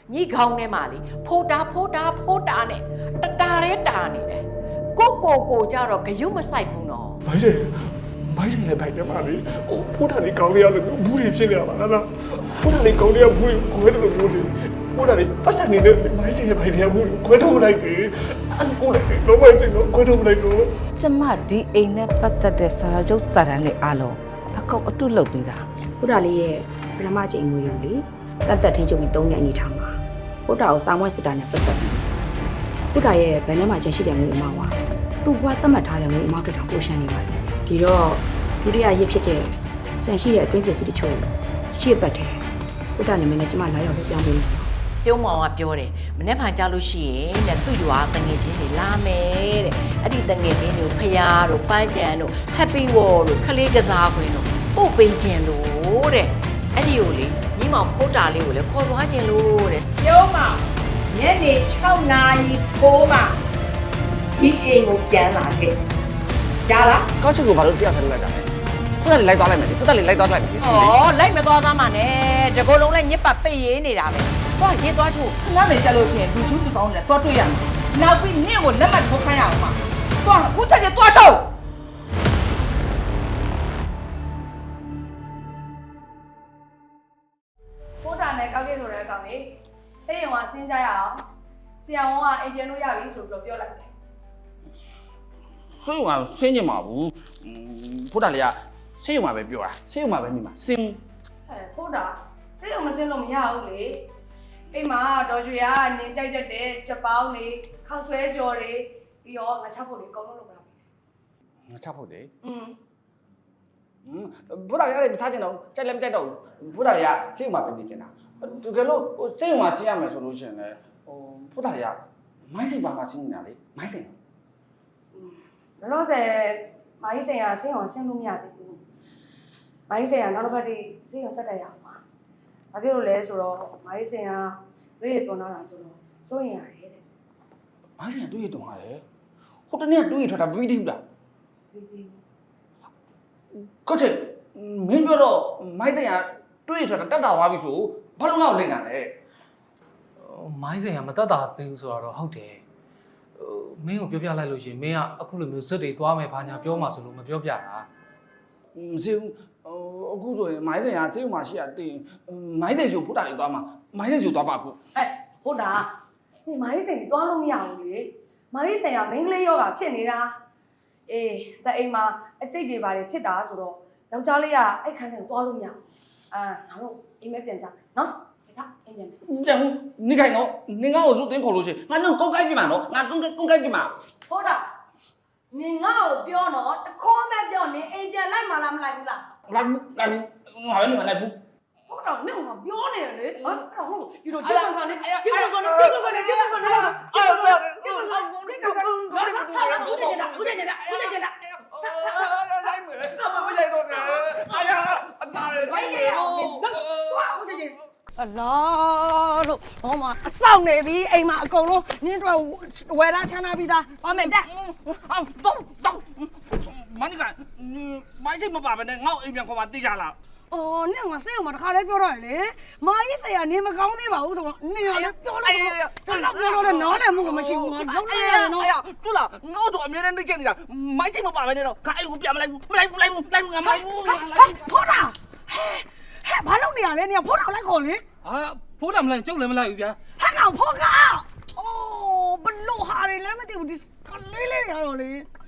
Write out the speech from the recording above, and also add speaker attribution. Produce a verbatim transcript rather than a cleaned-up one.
Speaker 1: ညီခေါင်းထဲမှာလေဖိုးတာဖိုးတာဖိုးတာနဲ့တတာရဲတာနေတယ်ကိုကိုကိုကြတော့ဂယုမဆိုင်ဘူးနော်
Speaker 2: မိုင်းစေမိုင်းစေရဲ့ဘိုက်ထဲမှာလေဟိုဖိုးတာလေးကောင်းလေးရလို့ဘူးတွေဖြစ်နေရပါလားဖိုးတာလေးကောင်းလေးကဘူးခွဲတယ်လို့ဘူးတွေဖိုးတာလေးပတ်စံနေတဲ့မိုင်းစေရဲ့ဘိုက်ထဲကဘူးခွဲထုတ်လိုက်တယ်အဲ့လိုကိုလည်းလုံးဝစိတ်တော့ခွဲထုတ်လိုက်တော့
Speaker 3: ကျမဒီအိမ်နဲ့ပတ်သက်တဲ့စာချုပ်စာတမ်းတွေအားလုံးအကုန်အတုလုပ်ပြီးသား
Speaker 4: ဘုရားလေးရဲ့ပထမချိန်ငွေရုံလေးတတ်တတ်ထင်းချုပ်ပြီးသုံးရက်အနေထားမှာဘုရားကိုစာမွဲစစ်တာနဲ့ပတ်သက်ပြီးဘုရားရဲ့ဗန်ထဲမှာကျန်ရှိတဲ့ငွေအမောင်းကသူ့ဘွားသတ်မှတ်ထားတဲ့ငွေအမောင်းတက်တာပိုရှမ်းနေပါတယ်ဒီတော့ဒုတိယရစ်ဖြစ်တဲ့ကျန်ရှိတဲ့အတွင်းပစ္စည်းတချို့ရှေ့ပတ်တယ်ဘုရားနာမည်နဲ့ကျမလာရောက်လို့ပြောင်းပေးမယ်
Speaker 1: ကျုံမောင်ကပြောတယ်မနေ့ကကြာလို့ရှိရင်တဲ့သူ့ရွာတငယ်ချင်းတွေလာမယ်တဲ့အဲ့ဒီတငယ်ချင်းတွေကိုဖယားတို့ပန်းကြံတို့ Happy Wall တို့ခလေးကစားခွင်တို့ပို့ပေးခြင်းလို့တဲ့အဲ့ဒီကိုလေညီမောင်ဖိုးတာလေးကိုလည်းခေါ်သွားခြင်းလို့တဲ့
Speaker 5: ကျုံးမညနေ၆နာရီကိုမှဒီအိမ်ကိုပြန်လာခဲ့ကြားလား
Speaker 6: ကောက်ချက်ကိုဘာလို့တရားဆက်လိုက်တာလဲဖုတ်တယ်လိုက်သွားလိုက်မယ်လေဖုတ်တယ်လိုက်သွားလိုက်မယ်လေ
Speaker 1: ဩလိုက်မသွားသားမှနဲ့တကောလုံးလည်းညစ်ပတ်ပိတ်ရေးနေတာပဲသွားရေးသွားချို့
Speaker 5: ခဏနေကြလို့ရှိရင်လူချင်းလူကောင်းတယ်တွားတွေ့ရမယ်နောက်ပြီးနင့်ကိုလက်မှတ်ထိုးခိုင်းရအောင်ပါတွားခုချက်ချက်တွားချုပ်ဖိုးတာနဲ့ကောက်ခဲ့ဆိုတဲ့အကောင်လေးစိတ်ရုံကဆင်းကြရအောင်ဆရာဝန်ကအိမ်ပြန်လို့ရပြီဆိုပြီးတော့ပြောလိုက်တယ်
Speaker 6: ဆွေးရုံကဆင်းကျင်ပါဘူးဖုတ်တယ်လေးကဆေးရုံမှာပဲပြောတာဆေးရုံမှာပဲနေမှာဆင်း
Speaker 5: ဟဲ့ဖိုးတာစိတ်ရုံမဆင်းလို့မရဘူးလေအိမ်မှာဒေါ်ရွှေကနေကြိုက်တတ်တဲ့ချက်ပေါင်းတွေခေါက်ဆွဲကြော်တွေပြီးတော့ငါချောက်ဖို့တွေအကုန်လုံးလုပ်လာပြီ
Speaker 6: ငါချဖို့တယ်
Speaker 5: อืม
Speaker 6: ဖုတ်တယ်လေးကမစားကျင်တော့ကြိုက်လည်းမကြိုက်တော့ဘူးဖုတ်တယ်လေးကဆေးရုံမှာပဲနေကျင်တာတကယ်လို့ဆေးရုံမှာဆင်းရမယ်ဆိုလို့ရှိရင်လည်းဟိုဖုတ်တယ်လေးကမိုင်းစိတ်ပါမှာဆင်းနေတာလေမိုင်းစိတ်
Speaker 5: လောလောဆယ်မိုင်းဆိုင်ကဆင်းအောင်ဆင်းလို့မရသေးဘူးမိုင်းဆိုင်ကနောက်တစ်ပတ်ထိဆင်းအောင်ဆက်တက်ရအောင်ပါဘာဖြစ်လို့လဲဆိုတော့မိုင်းဆိုင်ကရွေးရတွန်းလာတာဆိုတော့စိုးရင်ရတယ်တဲ့
Speaker 6: မိုင်းစိတ်ကတွေးရတုံရတယ်ဟိုတနေ့ကတွေးရထွက်တာပြီးသေးဘူးလား
Speaker 5: ပြီးသေးဘူး
Speaker 6: ကောက်ချက်မင်းပြောတော့မိုင်းစိတ်ကတွေးရထွက်တာတက်တာသွားပြီဆိုဘာလို့ငါ့ကိုလိမ့်တာလဲ
Speaker 7: မိုင်းစင်ကမတတ်တာသေးဘူးဆိုတော့ဟုတ်တယ်ဟိုမင်းကိုပြောပြလိုက်လို့ရှိရင်မင်းကအခုလိုမျိုးဇက်တွေသွားမယ်ဘာညာပြောမှဆိုလို့မပြောပြတာ
Speaker 6: မစေဘူးဟိုအခုဆိုရင်မိုင်းစိတ်ကဆေးရုံမှာရှိရတင်မိုင်းစိတ်ချိုဖုတ်တာလေးသွားမှာမိုင်းစိတ်ချိုသွားပါအခု
Speaker 5: ဟဲ့ဟုတ်တာဒီမိုင်းဆိုင်ကြီးတွားလို့မရဘူးလေမိုင်းဆိုင်ကမင်းကလေးယောဂဖြစ်နေတာအေးတဲ့အိမ်မှာအကျိတ်တွေပါတယ်ဖြစ်တာဆိုတော့ယောက်ျားလေးကအဲ့ခန်းထဲကိုတွားလို့မရဘူးအာငါတို့အိမ်မဲပြန်ကြမယ်နော်ဒါအိမ်ပြန်မယ်
Speaker 6: ပြန်ဦးနေခိုင်တော့နေငါ့ကိုစုတင်းခေါ်လို့ရှိရင်ငါတော့ကုန်းကိုက်ပြမှာနော်ငါကုန်းကုန်းကိုက်ပြမှာ
Speaker 5: ဟုတ်တာနင်ငါ့ကိုပြောတော့တခေါမဲ့ပြောနင်အိမ်ပြန်လိုက်မှလားမလိုက်ဘူးလား
Speaker 6: လာလာငါပဲနေမလိုက်ဘူး
Speaker 5: ဟုတ်တော့နင်ကပြောနေတယ်လေဟာအဲ့တော့ဟုတ်ဒီလိုကျုပ်ကနေကျုပ်ကနေကျုပ်ကနေကျုပ်ကနေကျုပ်ကနေအော်ဟုတ်တယ်ကျုပ်ကနေဘူးနေတာဘူးနေတာဘူးနေတာဘူးနေတာ
Speaker 6: လိုက်မယ်မရိုက်တော့နဲ့အာရအတားလေ
Speaker 5: လိုက်ရအောင်ဟုတ်တယ်
Speaker 8: အလားလို့ဟောမှာအဆောင်နေပြီအိမ်မှာအကုန်လုံးနင်းတော့ဝယ်လာချမ်းသာပြီးသားပါမယ်တက်
Speaker 6: အော်တော့တော့မနိကမိုင်းစိတ်မပါဘဲနဲ့ငါ့အိမ်ပြန်ခေါ်ပါတိကြလား
Speaker 8: အော်နင်းကစိတ်အောင်မတခါလဲပြောတော့လေမာကြီးဆရာနင်းမကောင်းသေးပါဘူးဆိုတော့နင်းကလည်းပြောလိုက်တော့တော့ပြောတော့နားလည်းမှုကမရှိဘူးငါလုံးလိုက်ရနော်
Speaker 6: အေးတူလားငါတို့အမြဲတမ်းနေကြနေတာမိုင်းစိတ်မပါဘဲနဲ့တော့ခါအိမ်ကိုပြန်မလိုက်ဘူးမလိုက်ဘူးလိုက်ဘူးလိုက်ဘူးငါမလိုက်ဘူး
Speaker 8: ဖိုးတာဟဲ့ဘာလုပ်နေရလဲနင်ဖိုးတာလိုက်ခေါ်လေ
Speaker 7: ဟာဖိုးတာမလိုက်ကျုပ်လည်းမလိုက်ဘူးဗျာ
Speaker 8: ဟဲ့ကောင်ဖိုးကအော်ဘလို့ဟာတွေလည်းမသိဘူးဒီကလေးလေးတွေကတော့လေ